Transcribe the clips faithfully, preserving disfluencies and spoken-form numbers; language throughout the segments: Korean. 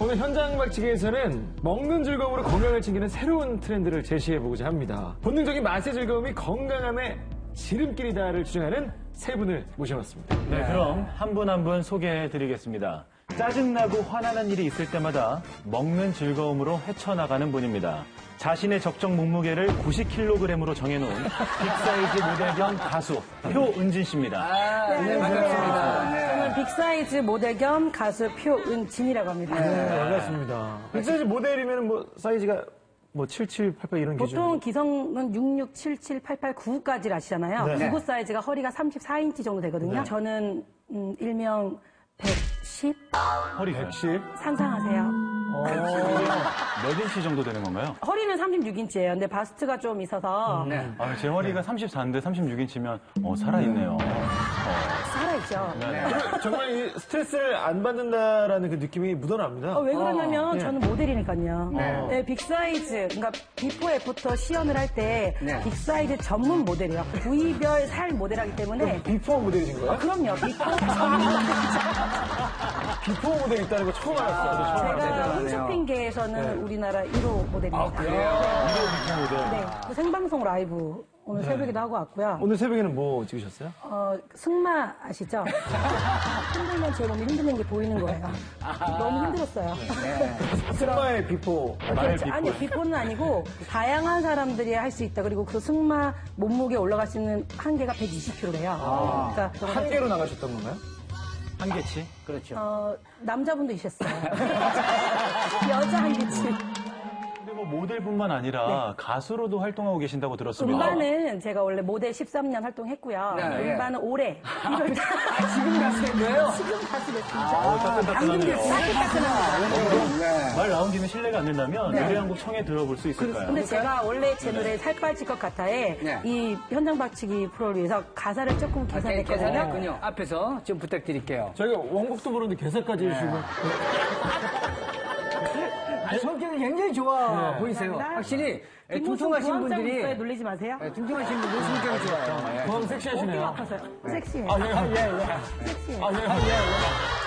오늘 현장박치기에서는 먹는 즐거움으로 건강을 챙기는 새로운 트렌드를 제시해보고자 합니다. 본능적인 맛의 즐거움이 건강함의 지름길이다를 주장하는 세 분을 모셔봤습니다. 네, 그럼 한 분 한 분 소개해드리겠습니다. 짜증나고 화나는 일이 있을 때마다 먹는 즐거움으로 헤쳐나가는 분입니다. 자신의 적정 몸무게를 구십 킬로그램으로 정해놓은 빅사이즈 모델 겸 가수 표은진 씨입니다. 아, 네, 반갑습니다. 네. 저는 빅사이즈 모델 겸 가수 표은진이라고 합니다. 네, 반갑습니다. 빅사이즈 모델이면 뭐 사이즈가 뭐 칠칠, 팔팔 이런 기준? 보통 기성은 육육, 칠칠, 팔팔, 구구까지를 아시잖아요. 네. 구구 사이즈가 허리가 삼십사 인치 정도 되거든요. 네. 저는 음, 일명 백십? 허리 백십? 상상하세요. 몇 인치 정도 되는 건가요? 허리는 삼십육 인치예요. 근데 바스트가 좀 있어서 네. 아, 제 허리가 삼십사인데 삼십육 인치면 어, 살아있네요. 살아있죠. 네. 정말 이 스트레스를 안 받는다라는 그 느낌이 묻어납니다. 어, 왜 그러냐면 네. 저는 모델이니까요. 네. 네, 빅사이즈, 그러니까 비포 애프터 시연을 할 때 네. 빅사이즈 전문 모델이에요. 부위별 살 모델하기 때문에 비포 모델이신 거예요? 아, 그럼요. 비포 전문 모델이죠. 비포 모델 있다는 거 처음 알았어요. 처음 제가 알았어요. 홈쇼핑계에서는 네. 우리나라 일 호 모델입니다. 아, 그래요? 비포 모델. 네, 그 생방송 라이브 오늘 새벽에도 하고 왔고요. 오늘 새벽에는 뭐 찍으셨어요? 어, 승마 아시죠? 힘들면 제 몸이 힘든 게 보이는 거예요. 너무 힘들었어요. 승마의 비포. 말 그렇죠. 아니, 비포는 아니고 다양한 사람들이 할 수 있다. 그리고 그 승마 몸무게 올라갈 수 있는 한계가 백이십 킬로그램래요. 그러니까 한 개로 나가셨던 건가요? 한 개치? 그렇죠. 어, 남자분도 있었어요. 여자 한 개치. 근데 뭐 모델뿐만 아니라 가수로도 활동하고 계신다고 들었습니다. 음반은 제가 원래 모델 십삼 년 활동했고요. 네, 예. 음반은 올해 일월 달. 아, 지금 가수인 거예요? 지금 가수 됐습니다. 따끈따끈하네요. 네. 말 나온 김에 실례가 안 된다면 노래 한 곡 청해 들어볼 수 있을까요? 근데 제가 원래 제 노래 살 빠질 것 같아에 네. 이 현장 박치기 프로를 위해서 가사를 조금 계산했거든요. 계산했군요. 앞에서 좀 부탁드릴게요. 저희가 원곡도 부르는데 개사까지 해주시고. 아니, 성격이 굉장히 좋아 보이세요. 감사합니다. 확실히 예, 뒷모습 퉁퉁하신 부항장 분들이 있어요. 놀리지 마세요. 예, 퉁퉁하신 분들 성격이 좋아요. 예. 그럼 섹시하시네요. 아파서요. 섹시해. 아, 예, 예, 예. 섹시해. 아, 예, 예, 예.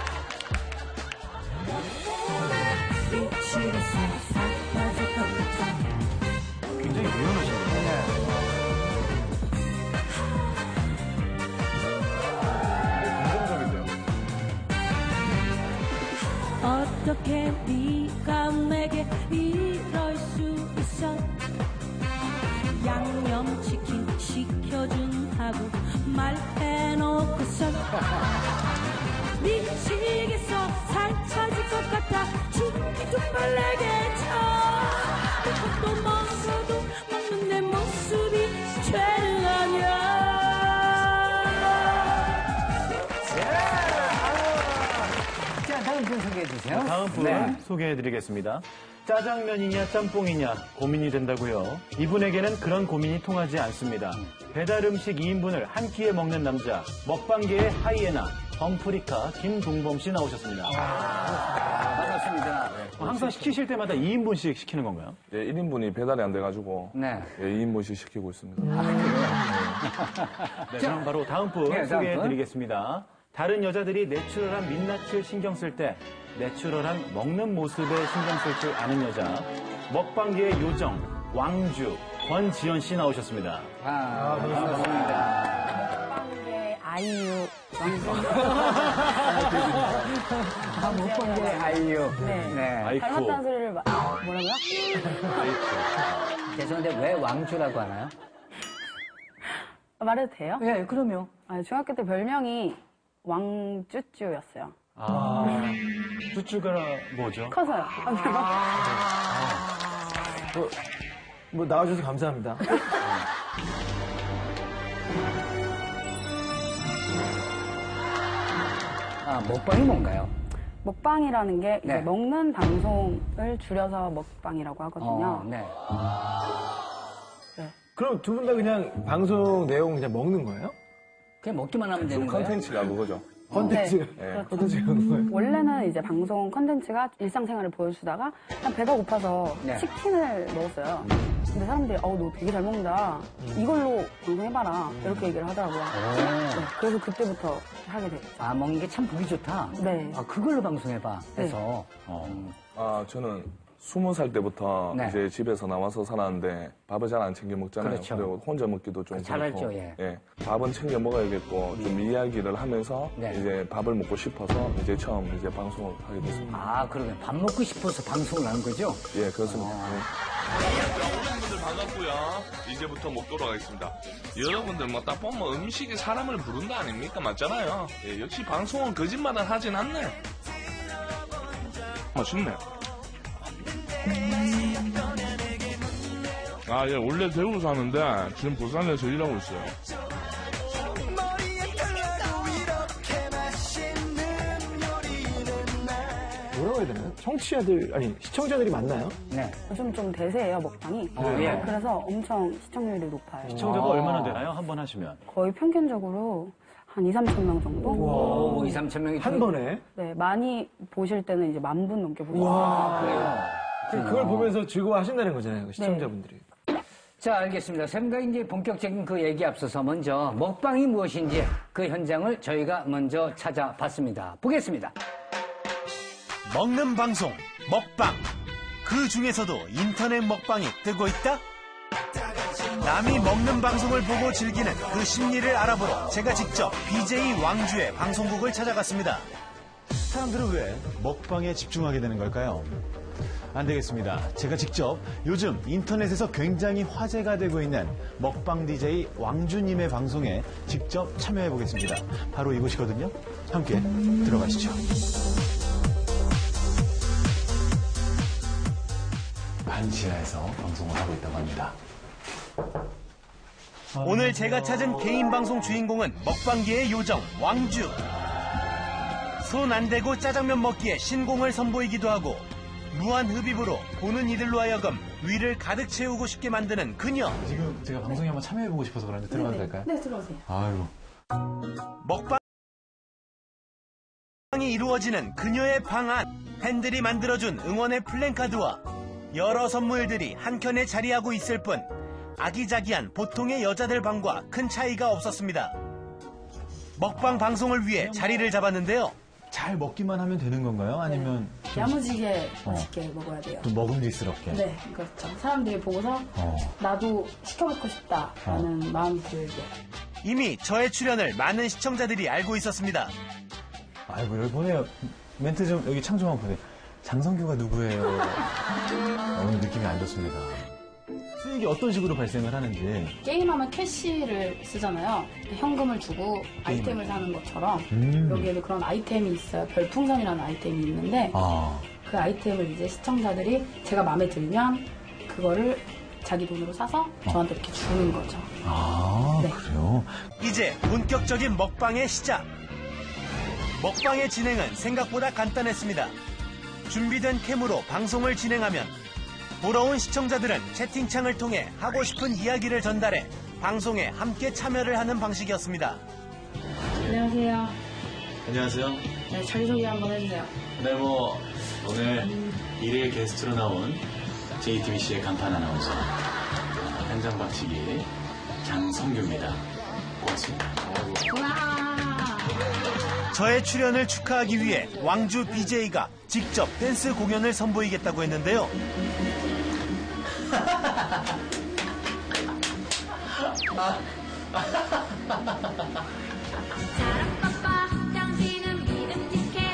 굉장히 유연하시네요. 어떻게 네가 내게 이럴 수 있어. 양념치킨 시켜준다고 말해놓고서 미치겠어. 살 빠질 것 같아. 죽기 정말 내게 쳐. 또 먹어도 먹는 내 모습이 죄는 아니야. 자, 다음 분 소개해 주세요. 다음 분 네. 소개해드리겠습니다. 짜장면이냐 짬뽕이냐 고민이 된다고요. 이분에게는 그런 고민이 통하지 않습니다. 배달 음식 이 인분을 한 끼에 먹는 남자, 먹방계의 하이에나 덩프리카 김동범 씨 나오셨습니다. 아, 반갑습니다. 항상 시키실 때마다 이 인분씩 시키는 건가요? 예, 일 인분이 배달이 안 돼가지고 네. 예, 이 인분씩 시키고 있습니다. 네, 그럼 바로 다음 분 네, 다음 소개해드리겠습니다. 다른 여자들이 내추럴한 민낯을 신경 쓸 때 내추럴한 먹는 모습에 신경 쓸 줄 아는 여자, 먹방계의 요정, 왕주, 권지연 씨 나오셨습니다. 아, 반갑습니다. 네, 아이유. 아, 못 본 게 아이유. 네. 네. 아이쿠. 닮았다는 소리를 마- 뭐라고요? 죄송한데 왜 왕주라고 하나요? 말해도 돼요? 예, 그럼요. 아니, 중학교 때 별명이 왕쭈쭈였어요. 아, 쭈쭈가 뭐죠? 커서요. 뭐, 뭐 나와주셔서 감사합니다. 아, 먹방이 뭔가요? 먹방이라는 게 이제 네. 먹는 방송을 줄여서 먹방이라고 하거든요. 어, 네. 그럼 두 분 다 그냥 방송 내용 그냥 먹는 거예요? 그냥 먹기만 하면 되는 거예요? 컨텐츠가 그거죠. 컨텐츠. 네. 컨텐츠가 그런 거예요? 원래는 이제 방송 컨텐츠가 일상생활을 보여주다가 그냥 배가 고파서 네. 치킨을 먹었어요. 근데 사람들이 어, 너 되게 잘 먹는다. 이걸로 방송해봐라. 이렇게 얘기를 하더라고요. 네, 그래서 그때부터 하게 됐죠. 아, 먹는 게 참 보기 좋다. 네. 아, 그걸로 방송해봐. 해서. 음. 아, 저는 스무 살 때부터 네. 이제 집에서 나와서 살았는데 밥을 잘 안 챙겨 먹잖아요. 그렇죠. 리고 혼자 먹기도 좀 잘 그렇고. 알죠, 예. 밥은 챙겨 먹어야겠고 좀 이야기를 하면서 네. 이제 밥을 먹고 싶어서 이제 처음 이제 방송을 하게 됐습니다. 아, 그러면 밥 먹고 싶어서 방송을 하는 거죠? 예, 그렇습니다. 여러분들 반갑고요. 이제부터 먹도록 하겠습니다. 여러분들 뭐 딱 보면 음식이 사람을 부른다 아닙니까? 맞잖아요. 예, 역시 방송은 거짓말을 하진 않네. 맛있네. 아, 예, 원래 대구 사는데 지금 부산에서 일하고 있어요. 뭐라고 해야 되나요? 청취자들, 아니, 시청자들이 많나요? 네. 요즘 좀 대세예요, 먹방이. 예. 그래서 엄청 시청률이 높아요. 시청자가 얼마나 되나요? 한 번 하시면? 거의 평균적으로 한 이, 삼천 명 정도? 오, 이, 삼천 명이 한 번에? 네, 많이 보실 때는 이제 만 분 넘게 보시고. 그- 그걸 보면서 즐거워하신다는 거잖아요, 그 시청자분들이. 자, 알겠습니다. 샘가 이제 본격적인 그 얘기 앞서서 먼저 먹방이 무엇인지 그 현장을 저희가 먼저 찾아봤습니다. 보겠습니다. 먹는 방송, 먹방. 그 중에서도 인터넷 먹방이 뜨고 있다? 남이 먹는 방송을 보고 즐기는 그 심리를 알아보러 제가 직접 비제이 왕주의 방송국을 찾아갔습니다. 사람들은 왜 먹방에 집중하게 되는 걸까요? 안 되겠습니다. 제가 직접 요즘 인터넷에서 굉장히 화제가 되고 있는 먹방 디제이 왕주님의 방송에 직접 참여해 보겠습니다. 바로 이곳이거든요. 함께 들어가시죠. 반지하에서 방송을 하고 있다고 합니다. 오늘 제가 찾은 개인 방송 주인공은 먹방계의 요정 왕주. 손 안 대고 짜장면 먹기에 신공을 선보이기도 하고 무한 흡입으로 보는 이들로 하여금 위를 가득 채우고 싶게 만드는 그녀. 지금 제가 방송에 한번 참여해보고 싶어서 그런데 들어가도 될까요? 네, 들어오세요. 아유. 먹방이 이루어지는 그녀의 방안. 팬들이 만들어준 응원의 플랜카드와 여러 선물들이 한켠에 자리하고 있을 뿐 아기자기한 보통의 여자들 방과 큰 차이가 없었습니다. 먹방 방송을 위해 자리를 잡았는데요. 잘 먹기만 하면 되는 건가요? 아니면 좀, 야무지게 어. 맛있게 먹어야 돼요. 좀 먹음직스럽게? 네, 그렇죠. 사람들이 보고서 어. 나도 시켜먹고 싶다라는 마음이 들게. 이미 저의 출연을 많은 시청자들이 알고 있었습니다. 아이고, 여기 보내요. 멘트 좀, 여기 창 좀 한번 보세요. 장성규가 누구예요? 오늘 느낌이 안 좋습니다. 수익이 어떤 식으로 발생을 하는지. 게임하면 캐시를 쓰잖아요. 현금을 주고 아이템을 사는 것처럼 음. 여기에도 그런 아이템이 있어요. 별풍선이라는 아이템이 있는데 아. 그 아이템을 이제 시청자들이 제가 마음에 들면 그거를 자기 돈으로 사서 저한테 이렇게 주는 거죠. 아, 네. 그래요? 이제 본격적인 먹방의 시작. 먹방의 진행은 생각보다 간단했습니다. 준비된 캠으로 방송을 진행하면 보러 온 시청자들은 채팅창을 통해 하고 싶은 이야기를 전달해 방송에 함께 참여를 하는 방식이었습니다. 안녕하세요. 안녕하세요. 네, 자기소개 한번 해주세요. 네, 뭐, 오늘 일일 게스트로 나온 제이티비씨의 간판 아나운서, 현장 박치기 장성규입니다. 고맙습니다. 저의 출연을 축하하기 위해 왕주 비제이가 직접 댄스 공연을 선보이겠다고 했는데요. 짜라빠빠 당신은 믿음직해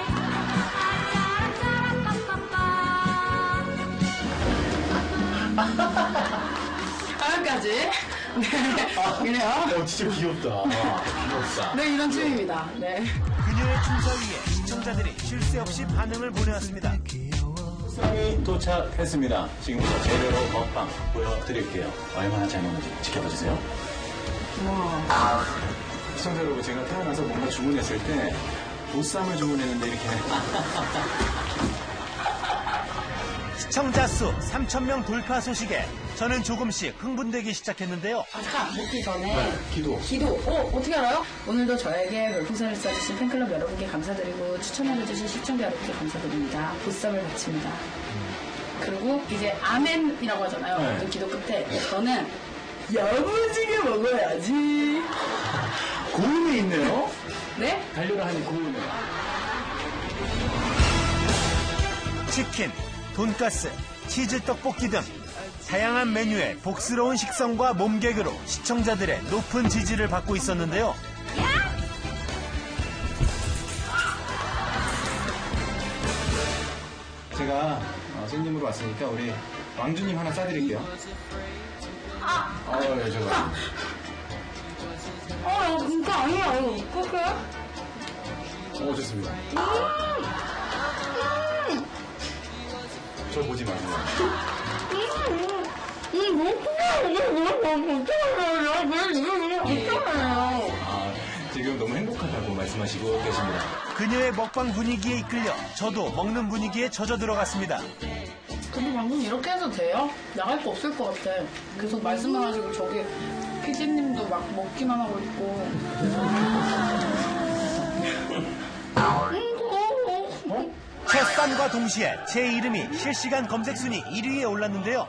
짜라짜라빠빠빠 까연까지 네 그래요? 어, 진짜 귀엽다. 귀엽다. 네 이런 춤입니다. 네. 그녀의 춤사위에 시청자들이 쉴 새 없이 반응을 보내왔습니다. 수상이 도착했습니다. 지금부터 제대로 먹방 보여드릴게요. 얼마나 잘 먹는지 지켜봐주세요. 시청자 여러분, 제가 태어나서 뭔가 주문했을 때 보쌈을 주문했는데 이렇게 시청자 수 삼천 명 돌파 소식에 저는 조금씩 흥분되기 시작했는데요. 아, 잠깐 먹기 전에 네, 기도. 기도. 어 어떻게 알아요? 오늘도 저에게 별풍선을 쏴주신 팬클럽 여러분께 감사드리고 추천해주신 시청자 여러분께 감사드립니다. 보쌈을 바칩니다. 그리고 이제 아멘이라고 하잖아요. 네. 모든 기도 끝에. 저는 야무지게 먹어야지. 고음이 있네요. 네? 달려라 하니 고음이. 치킨, 돈가스, 치즈 떡볶이 등 다양한 메뉴의 복스러운 식성과 몸개그로 시청자들의 높은 지지를 받고 있었는데요. 제가 어, 손님으로 왔으니까 우리 왕주님 하나 싸드릴게요. 아! 어, 예, 제가. 어, 이거 진짜 아니에요. 이거 어떡해? 어, 좋습니다. 저 보지 마세요. 음, 뭐, 이게 뭐야, 뭐, 어떡하냐. 왜 이게 어떡하냐. 아, 지금 너무 행복하다고 말씀하시고 계십니다. 그녀의 먹방 분위기에 이끌려 저도 먹는 분위기에 젖어 들어갔습니다. 근데 방금 이렇게 해도 돼요? 나갈 거 없을 것 같아. 계속 말씀만 하시고 저기 피디님도 막 먹기만 하고 있고. 첫 쌈과 동시에 제 이름이 실시간 검색 순위 일 위에 올랐는데요.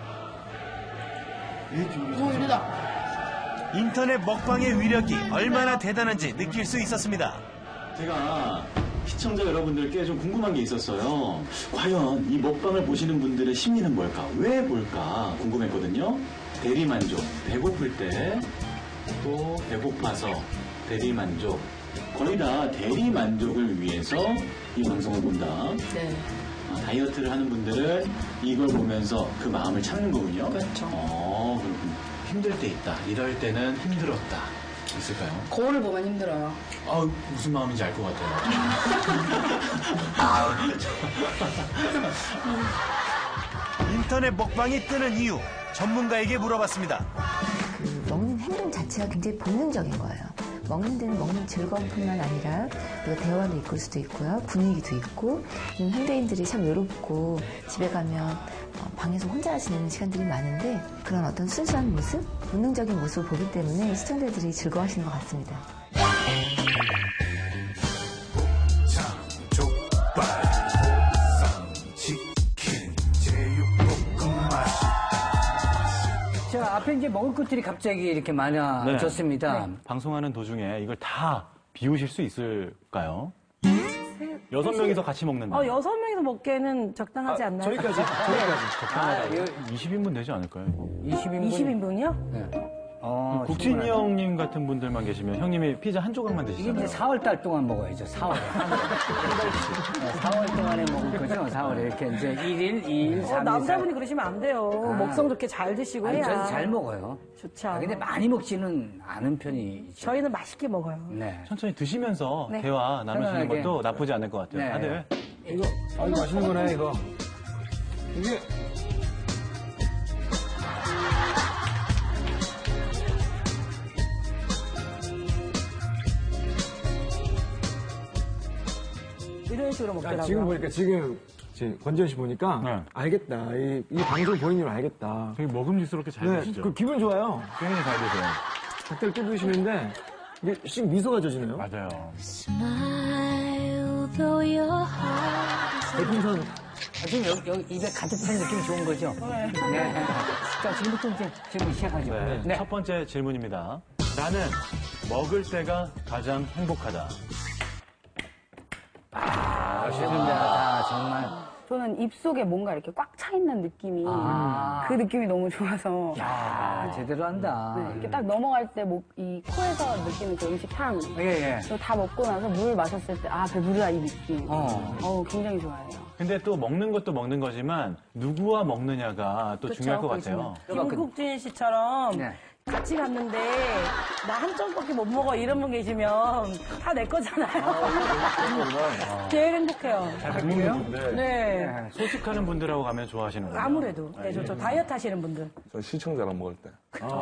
오, 일이다. 인터넷 먹방의 위력이 얼마나 대단한지 느낄 수 있었습니다. 제가 시청자 여러분들께 좀 궁금한 게 있었어요. 과연 이 먹방을 보시는 분들의 심리는 뭘까? 왜 볼까? 궁금했거든요. 대리만족, 배고플 때, 또 배고파서 대리만족. 거의 다 대리만족을 위해서 이 방송을 본다. 네. 아, 다이어트를 하는 분들은 이걸 보면서 그 마음을 참는 거군요. 그렇죠. 어, 그렇군요. 힘들 때 있다. 이럴 때는 힘들었다. 있을까요? 거울을 보면 힘들어요. 아, 무슨 마음인지 알 것 같아요. 인터넷 먹방이 뜨는 이유 전문가에게 물어봤습니다. 그 먹는 행동 자체가 굉장히 본능적인 거예요. 먹는 데는 먹는 즐거움뿐만 아니라 또 대화도 이끌 수도 있고요. 분위기도 있고 현대인들이 참 외롭고 집에 가면 방에서 혼자 지내는 시간들이 많은데 그런 어떤 순수한 모습, 본능적인 모습을 보기 때문에 시청자들이 즐거워하시는 것 같습니다. 자, 앞에 이제 먹을 것들이 갑자기 이렇게 많아졌습니다. 네. 방송하는 도중에 이걸 다 비우실 수 있을까요? 여섯 명이서 같이 먹는다. 어, 여섯 명이서 먹기에는 적당하지 않나요? 저희까지, 저희까지. 적당하다. 이십 인분 되지 않을까요? 이십 인분? 이십 인분이요? 네. 어, 국진이 충분하네. 형님 같은 분들만 계시면 형님이 피자 한 조각만 이게 드시잖아요. 이제 사월 달 동안 먹어야죠, 사월에. 사월 동안에 먹을 거죠, 사월에. 이렇게 이제 일 일, 이 일, 어, 삼 일. 남자분이 그러시면 안 돼요. 아. 먹성 좋게 잘 드시고 아니, 해야. 저는 잘 먹어요. 좋죠. 아, 근데 많이 먹지는 않은 편이죠. 저희는 맛있게 먹어요. 네. 천천히 드시면서 네. 대화 나누시는 편안하게. 것도 나쁘지 않을 것 같아요. 네. 다들. 이거, 아, 이거 맛있는 거네, 이거. 이게. 이런 식으로 아, 먹더라고요. 지금 보니까, 지금, 지금 권지현 씨 보니까, 네. 알겠다. 이, 이 방송 보는 줄 알겠다. 되게 먹음직스럽게 잘 네, 드시죠? 그 기분 좋아요. 굉장히 잘 드세요. 닭다리 뜯 드시는데, 이게 씩 미소가 져지네요. 맞아요. 별풍선. 아, 지금 여기, 여기 입에 가득 찬 느낌이 좋은 거죠? 네. 자, 지금부터 이제 질문 시작하죠. 네. 네. 첫 번째 질문입니다. 나는 먹을 때가 가장 행복하다. 아, 신기하다, 정말. 저는 입속에 뭔가 이렇게 꽉 차 있는 느낌이 아. 그 느낌이 너무 좋아서 야, 제대로 한다. 네, 이렇게 딱 넘어갈 때 목, 이 코에서 느끼는 그 음식 향. 예, 예. 그거 다 먹고 나서 물 마셨을 때 아 배부르다 이 느낌. 어. 어, 굉장히 좋아해요. 근데 또 먹는 것도 먹는 거지만 누구와 먹느냐가 또 그쵸, 중요할 것 그렇죠. 같아요. 김국진 씨처럼 네. 같이 갔는데 나 한 점밖에 못 먹어 이런 분 계시면 다 내 거잖아요. 제일 행복해요. 잘 먹는 분들. 네. 소식하는 분들하고 가면 좋아하시는 거예요. 아무래도. 네, 저, 저 다이어트 하시는 분들. 저 시청자랑 먹을 때.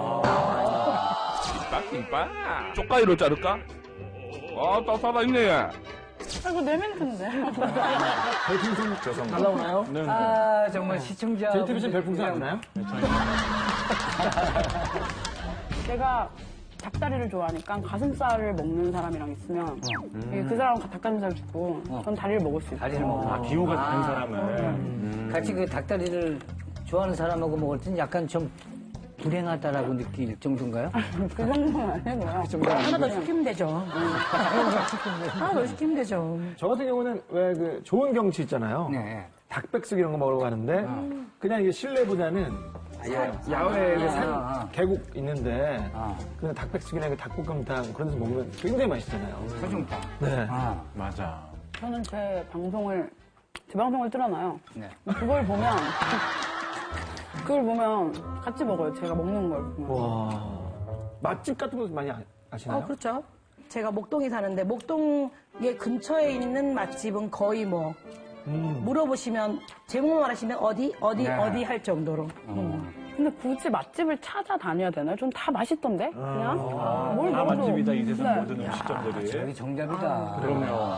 김밥, 김밥. 쪽가위로 자를까? 아, 딱 살아있네. 아이고 내 멘트인데. 별풍선 죄송합니다. 날라오나요? 네. 아, 정말 시청자. 제이티비씨 별풍선 안 나요? 제가 닭다리를 좋아하니까 가슴살을 먹는 사람이랑 있으면 그 사람은 닭가슴살 주고 전 다리를 먹을 수 있어요. 다리를 먹어. 아, 비호가 다른 아. 사람을. 음. 같이 그 닭다리를 좋아하는 사람하고 먹을 땐 약간 좀 불행하다라고 느낄 정도인가요? 그 정도는 아니고요. 그 정도는 하나 더 아니고요. 시키면 되죠. 하나 더 시키면 되죠. 저 같은 경우는 왜 그 좋은 경치 있잖아요. 네. 닭백숙 이런 거 먹으러 가는데 그냥 이게 실내보다는 사- 야외에 그 산 아. 계곡 있는데 아. 그 닭백숙이나 그 닭볶음탕 그런 데서 먹으면 굉장히 맛있잖아요. 소중탕. 네. 아. 맞아. 저는 제 방송을 제 방송을 틀어놔요. 네. 그걸 보면 그걸 보면 같이 먹어요. 제가 먹는 걸 보면. 와 맛집 같은 거 많이 아- 아시나요? 어, 그렇죠. 제가 목동에 사는데 목동에 근처에 있는 맛집은 거의 뭐 음. 물어보시면 제목만 하시면 어디 어디 네. 어디 할 정도로. 음. 근데 굳이 맛집을 찾아다녀야 되나요? 전 다 맛있던데 그냥 뭘 다 먹어도. 맛집이다, 이 세상 네. 모든 음식점들이. 저기 정답이다. 그럼요.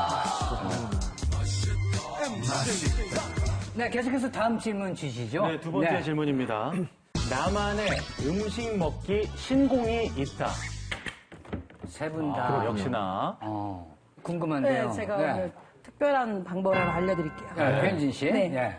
네, 계속해서 다음 질문 주시죠. 네, 두 번째 네. 질문입니다. 나만의 음식 먹기 신공이 있다. 세 분 다. 아, 역시나. 어, 궁금한데요. 네, 제가 네. 오늘 특별한 방법을 하나 알려드릴게요. 네, 현진 씨. 네. 네.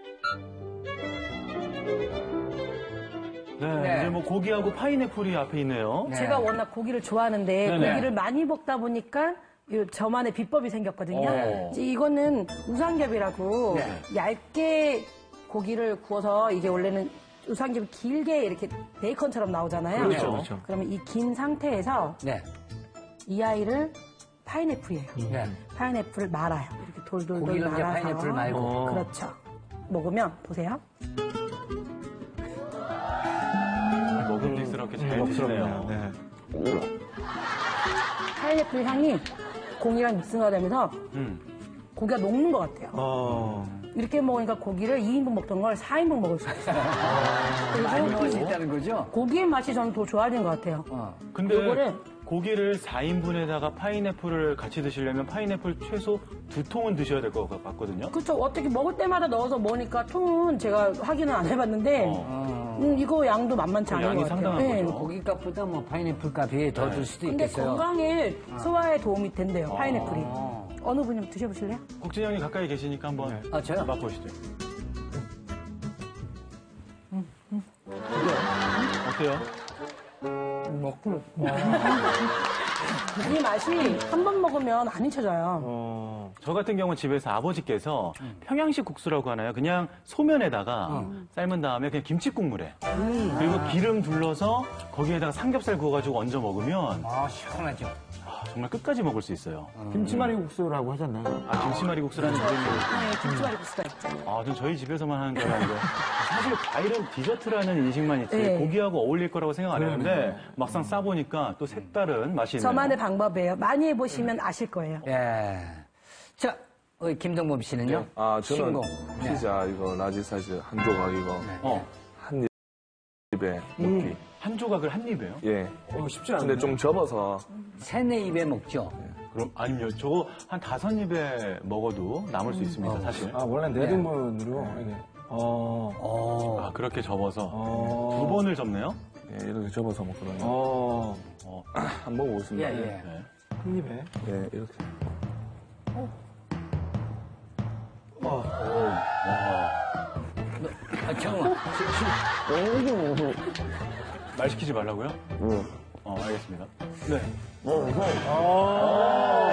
네, 네. 이제 뭐 고기하고 파인애플이 앞에 있네요. 네. 제가 워낙 고기를 좋아하는데 네네. 고기를 많이 먹다 보니까 이 저만의 비법이 생겼거든요. 오. 이제 이거는 우삼겹이라고 네. 얇게 고기를 구워서 이게 원래는 우삼겹이 길게 이렇게 베이컨처럼 나오잖아요. 그렇죠, 그렇죠. 그러면 이 긴 상태에서 네. 이 아이를 파인애플이에요. 네. 파인애플을 말아요. 이렇게 돌돌돌 고기를 이제 말아서. 파인애플 말고. 어. 그렇죠. 먹으면 보세요. 먹음직스럽게 잘 드시네요. 네. 파인애플 향이 공이랑 믹스가 되면서 음. 고기가 녹는 것 같아요. 어. 이렇게 먹으니까 고기를 이 인분 먹던 걸 사 인분 먹을 수 있어요. 많이 먹을 수 그리고 있다는 거죠? 고기의 맛이 저는 더 좋아진 것 같아요. 어. 근데 요거를 고기를 사 인분에다가 파인애플을 같이 드시려면 파인애플 최소 두 통은 드셔야 될 것 같거든요. 그렇죠. 어떻게 먹을 때마다 넣어서 먹으니까 통은 제가 확인은 안 해봤는데 어. 음, 이거 양도 만만치 그 않은 양이 것 같아요. 상당한 네. 거죠. 고기 값보다 뭐 파인애플 값이 더 들 수도 근데 있겠어요. 건강에 소화에 도움이 된대요. 파인애플이. 어. 어느 분이 드셔보실래요? 국진 형이 가까이 계시니까 한번 아, 저요? 맛보시죠. 어때요? 먹고. 이 맛이 한 번 먹으면 안 잊혀져요. 어, 저 같은 경우는 집에서 아버지께서 평양식 국수라고 하나요? 그냥 소면에다가 삶은 다음에 그냥 김치국물에 그리고 기름 둘러서 거기에다가 삼겹살 구워가지고 얹어 먹으면 아, 시원하죠. 아, 정말 끝까지 먹을 수 있어요. 김치말이 국수라고 하잖아요. 아, 김치말이 국수라는 이름이 네, 김치말이 국수가 있죠. 아, 전 저희 집에서만 하는 줄 알았는데 사실 과일은 디저트라는 인식만 있지 네. 고기하고 어울릴 거라고 생각 안 했는데 막상 싸보니까 또 색다른 맛이 있네요. 저만의 방법이에요. 많이 해보시면 아실 거예요. 예. 자, 우리 김동범 씨는요? 아, 저는 신공. 네. 피자 이거 라지 사이즈 한 조각 이거 어, 한 입에 먹기. 한 조각을 한 입에요? 예. 어, 쉽지 않네. 근데 좀 접어서 세네 입에 먹죠. 그럼 아니요, 저거 한 다섯 입에 먹어도 남을 수 있습니다, 사실. 아, 원래 네 등분으로 이게. 어. 어. 아, 그렇게 접어서 어. 두 번을 접네요? 예, 이렇게 접어서 먹거든요. 어. 어, 한번 먹겠습니다. 예, 예. 네. 한 입에. 예, 이렇게. 아, 잠깐만. 말 시키지 말라고요? 응. 어, 알겠습니다. 네. 어.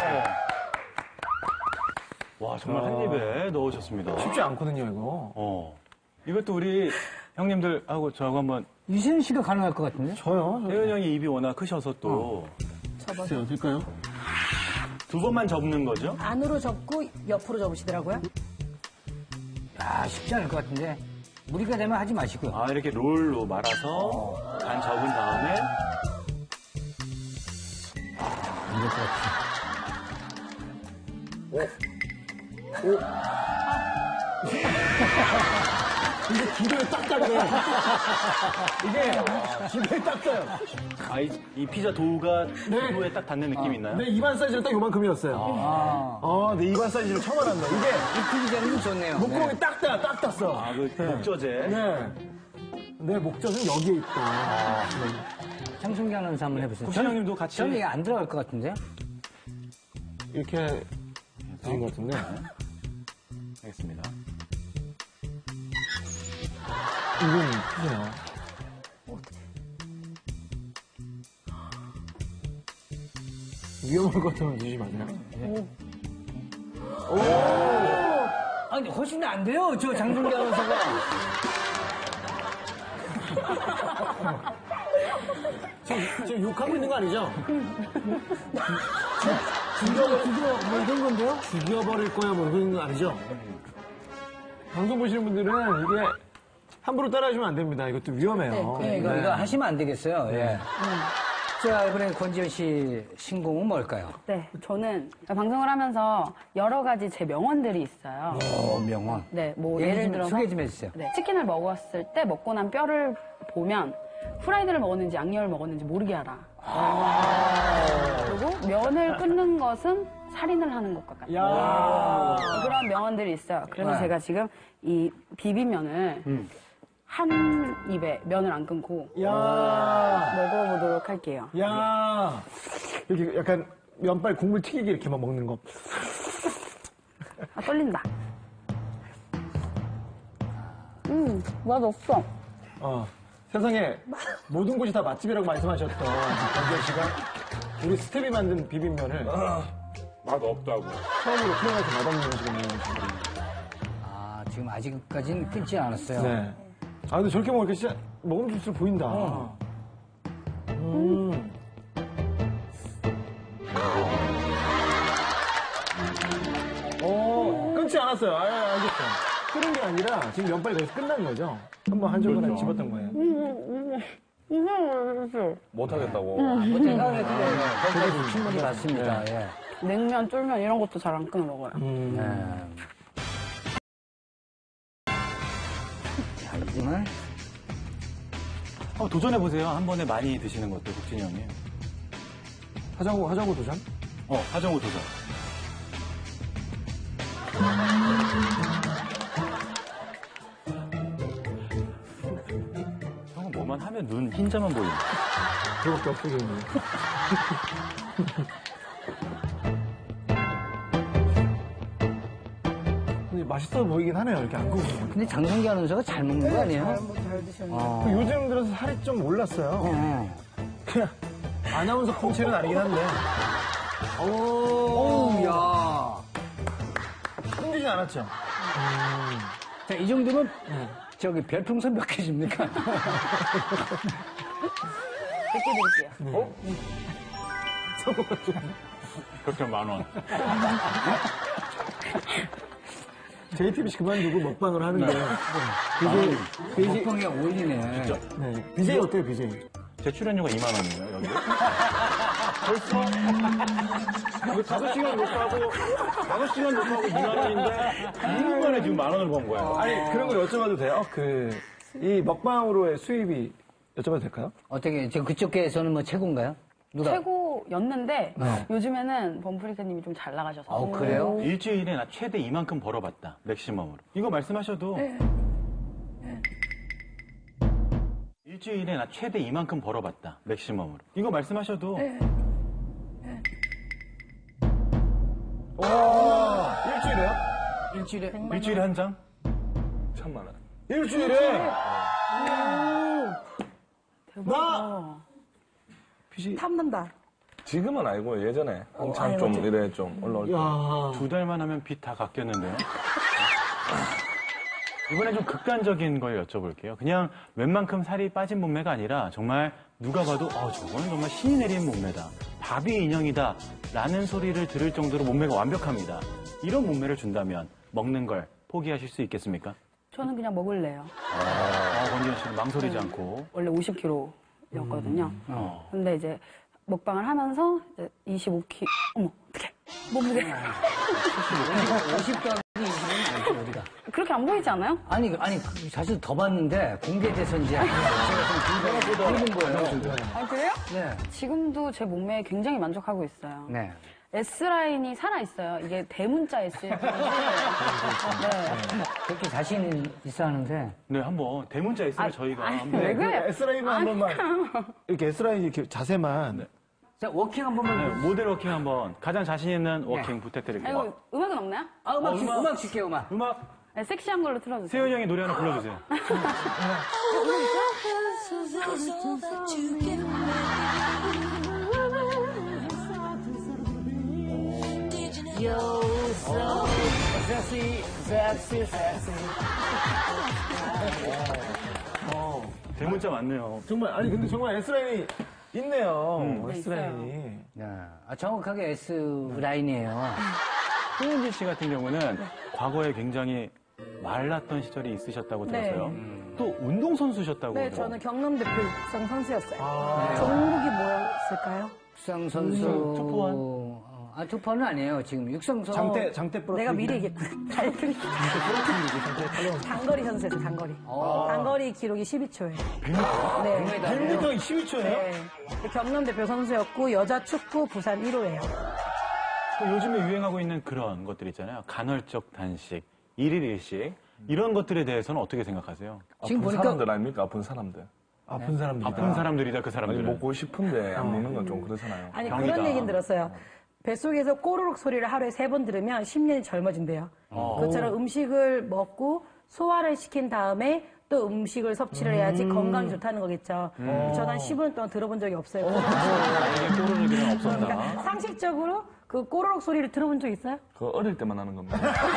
와, 정말 한 입에 넣으셨습니다. 쉽지 않거든요, 이거. 어. 이것도 우리 형님들하고 저하고 한번 유시은 씨가 가능할 것 같은데? 저요? 혜은 형이 입이 워낙 크셔서 또 글쎄요, 될까요? 두 번만 접는 거죠? 안으로 접고 옆으로 접으시더라고요. 야, 쉽지 않을 것 같은데. 무리가 되면 하지 마시고요. 아, 이렇게 롤로 말아서 반 접은 다음에 이럴 것 같아. 이게 기도에 딱 닿네. 이게 기도에 딱 닿아요. 아, 이, 이 피자 도우가 네. 도우에 딱 닿는 느낌이 있나요? 내 입안 사이즈는 딱 요만큼이었어요. 아, 어, 내 입안 사이즈를 처음 알았네. 이게 이 피자는 좋네요. 목구멍이 딱 닿아, 딱 닿았어. 아, 그 목젖에 네. 내 목젖은 여기에 있다. 네. 장승기 아나운서 한번 해보세요. 국장님도 같이. 저는 이게 안 들어갈 것 같은데요? 이렇게 되는 것 같은데. 알겠습니다. 이건 크네요. 위험할 것 같으면 드시지 마세요. 오! 아니, 훨씬 안 돼요, 저 장승기 아나운서가. 지금, 지금 욕하고 있는 거 아니죠? 죽여, 죽여, 뭐 이런 건데요? 죽여버릴 거야, 뭐 그런 거 아니죠? 방송 보시는 분들은 이게 함부로 따라하시면 안 됩니다. 이것도 위험해요. 네, 이거, 이거 하시면 안 되겠어요. 예. 자, 이번에 권지현 씨 신곡은 뭘까요? 네, 저는 방송을 하면서 여러 가지 제 명언들이 있어요. 어, 명언. 네, 뭐 얘기 예를 좀 들어서 소개 좀 해주세요. 네, 치킨을 먹었을 때 먹고 난 뼈를 보면 프라이드를 먹었는지 양념을 먹었는지 모르게 하라. 그리고 면을 끊는 것은 살인을 하는 것과 같다. 야. 그런 명언들이 있어요. 그래서 네. 제가 지금 이 비빔면을 음. 한 입에 면을 안 끊고 야. 먹어보도록 할게요. 야. 이렇게 약간 면발 국물 튀기기 이렇게만 먹는 거. 아, 떨린다. 음, 맛없어. 어. 세상에 모든 곳이 다 맛집이라고 말씀하셨던 권지현 씨가 우리 스텝이 만든 비빔면을 맛 없다고. 처음으로 표현해서 맛없는 음식을 먹는 거죠. 아, 지금 아직까지는 끊지 않았어요. 네. 아, 근데 저렇게 먹으니까 진짜 먹음직스러워 보인다. 어. 음. 어, 끊지 않았어요. 아, 알겠어요. 끓은 게 아니라 지금 면발이 거기서 끝난 거죠. 한번 한 조각을 집었던 거예요. 못하겠다고. 못하겠다고. 거기까지 충분히 맞습니다. 예. 냉면, 쫄면 이런 것도 잘 안 끊어 먹어요. 음. 네. 자, 이제는 한번 도전해보세요. 한 번에 많이 드시는 것도, 국진이 형님. 하자고, 하자고 도전? 어, 하정우 도전. 형은 뭐만 하면 눈 흰자만 보인다. 그거밖에 없어졌네. 근데 맛있어 보이긴 하네요. 이렇게 안 구우면. 근데 장성기 아나운서가 잘 먹는 거 아니에요? 잘 드셨네요. 어. 요즘 들어서 살이 좀 올랐어요. 어. 그냥 아나운서 콩치는 아니긴 한데. 오, 야. 힘들진 않았죠. 자, 이 정도면 저기 별풍선 몇 개 줍니까? 백 개 드릴게요. 그렇게 만 원. 제이티비씨 그만두고 먹방을 하는데. 아, 먹방에 어울리네. 진짜? 네. 비제이 어때요, 비제이? 제 출연료가 이만 원이에요, 여기. 벌써? 이거 다섯 시간 녹화하고, 다섯 시간 녹화하고 이만 원인데, 이 분 만에 지금 만 원을 번 거예요. 아니, 그런 걸 여쭤봐도 돼요? 그, 이 먹방으로의 수입이 여쭤봐도 될까요? 어떻게, 지금 그쪽에서는 뭐 최고인가요? 누가? 최고였는데 네. 요즘에는 범프리카님이 좀 잘 나가셔서. 어, 그래요? 일주일에 나 최대 이만큼 벌어봤다, 맥시멈으로. 이거 말씀하셔도. 일주일에 나 최대 이만큼 벌어봤다, 맥시멈으로. 이거 말씀하셔도. 와, 일주일에요? 일주일에. 일주일에 한 장? 천만 원. 일주일에? 대박. 빚이. 탐난다. 지금은 아니고 예전에 한참 좀 이래 좀 올라올 때. 야. 두 달만 하면 빚 다 갚겠는데요? 이번엔 좀 극단적인 걸 여쭤볼게요. 그냥 웬만큼 살이 빠진 몸매가 아니라 정말 누가 봐도 어, 저거는 정말 신이 내린 몸매다. 바비 인형이다. 라는 소리를 들을 정도로 몸매가 완벽합니다. 이런 몸매를 준다면 먹는 걸 포기하실 수 있겠습니까? 저는 그냥 먹을래요. 아, 권지현 씨는 망설이지 않고. 원래 오십 킬로그램이었거든요. 어. 근데 이제 먹방을 하면서 이제 이십오 킬로그램. 어머, 어떡해. 몸무게. 오십 더하기 이십은 아니죠, 어디가? 그렇게 안 보이지 않아요? 아니, 아니, 그 사실 더 봤는데 공개돼서 이제 제가 좀 굵은 거예요. 아, 그래요? 네. 지금도 제 몸매에 굉장히 만족하고 있어요. 네. S라인이 살아있어요. 이게 대문자 S예요. 네. 그렇게 자신 있어 하는데. 네, 한번 대문자 S를 저희가 아니, 한번. 왜 그래요? S라인만 한 번만. 이렇게 S라인 이렇게 자세만. 자, 워킹 한 번만. 네, 모델 워킹 한번 가장 자신 있는 워킹 부탁드릴게요. 아이고, 음악은 없나요? 아, 음악, 어, 줄- 음악. 음악 줄게요, 음악. 음악 네, 섹시한 걸로 틀어주세요. 세윤이 형이 노래 하나 불러주세요. 대문자 맞네요. 정말, 아니, 근데 정말 S라인이 있네요. 음. S라인이. 야, 아, 정확하게 S라인이에요. 송은진 씨 같은 경우는 과거에 굉장히 말랐던 시절이 있으셨다고 네. 들었어요. 또 운동선수셨다고. 네, 들어요. 저는 경남대표 육상 선수였어요. 종목이 뭐였을까요? 육상 선수. 음, 투포원? 어, 아, 투포는 아니에요. 지금 육상 선수. 장대, 장대 부러뜨기. 내가 미리 얘기했구나. 달리기. 단거리 선수였어요, 단거리. 어. 단거리 기록이 십이 초예요. 백 미터. 네. 백 미터 십이 초예요? 네. 경남대표 선수였고, 여자 축구 부산 일 호예요. 또 요즘에 유행하고 있는 그런 것들 있잖아요. 간헐적 단식, 일일 일식. 이런 것들에 대해서는 어떻게 생각하세요? 지금 아픈 보니까- 사람들 아닙니까? 아픈 사람들. 아픈 사람들. 아픈 사람들이다, 그 아니, 사람들은. 먹고 싶은데 안 먹는 건 좀 그렇잖아요. 아니, 병이다. 그런 얘기는 들었어요. 뱃속에서 꼬르륵 소리를 하루에 세 번 들으면 십 년이 젊어진대요. 그것처럼 음식을 먹고 소화를 시킨 다음에 또 음식을 섭취를 해야지 건강이 좋다는 거겠죠. 저는 한 십 분 동안 들어본 적이 없어요. 나에게 꼬르륵이는 없었다. 그러니까 상식적으로 그 꼬르륵 소리를 들어본 적 있어요? 그거 어릴 때만 하는 겁니다.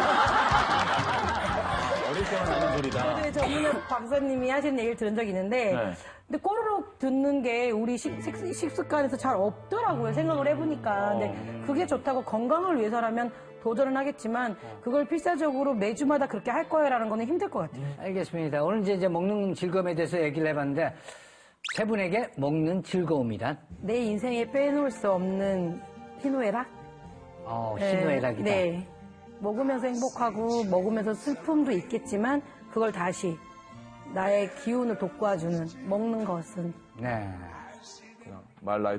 어릴 때만 하는 소리다. 네, 전문의 박사님이 하시는 얘기를 들은 적이 있는데, 네. 근데 꼬르륵 듣는 게 우리 식, 식- 식습관에서 잘 없더라고요. 생각을 해보니까. 근데 그게 좋다고 건강을 위해서라면 도전은 하겠지만, 그걸 필사적으로 매주마다 그렇게 할 거야라는 거는 힘들 것 같아요. 알겠습니다. 오늘 이제, 이제 먹는 즐거움에 대해서 얘기를 해봤는데, 세 분에게 먹는 즐거움이란? 내 인생에 빼놓을 수 없는 희노애락? 어, 희노애락이다. 네. 먹으면서 행복하고 먹으면서 슬픔도 있겠지만 그걸 다시 나의 기운을 돋궈주는 먹는 것은 네. 그냥 말 라이프.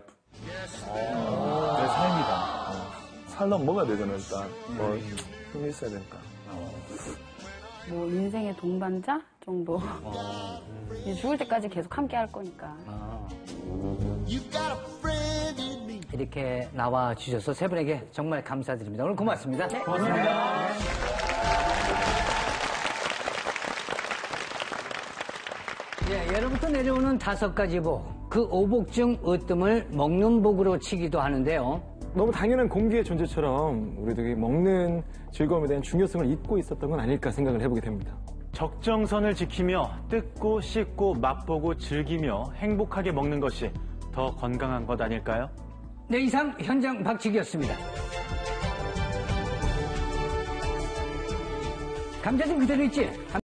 내 삶이다. 살려면 먹어야 되잖아요, 일단. 뭐, 힘이 있어야 되니까. 뭐 인생의 동반자 정도. 이제 죽을 때까지 계속 함께 할 거니까. 이렇게 나와 주셔서 세 분에게 정말 감사드립니다. 오늘 고맙습니다. 네, 고맙습니다. 예, 예로부터 내려오는 다섯 가지 복. 그 오복 중 으뜸을 먹는 복으로 치기도 하는데요. 너무 당연한 공기의 존재처럼 우리도 이 먹는 즐거움에 대한 중요성을 잊고 있었던 건 아닐까 생각을 해보게 됩니다. 적정선을 지키며 뜯고 씹고 맛보고 즐기며 행복하게 먹는 것이 더 건강한 것 아닐까요? 네, 이상 현장 박치기였습니다. 감자 좀 그대로 있지?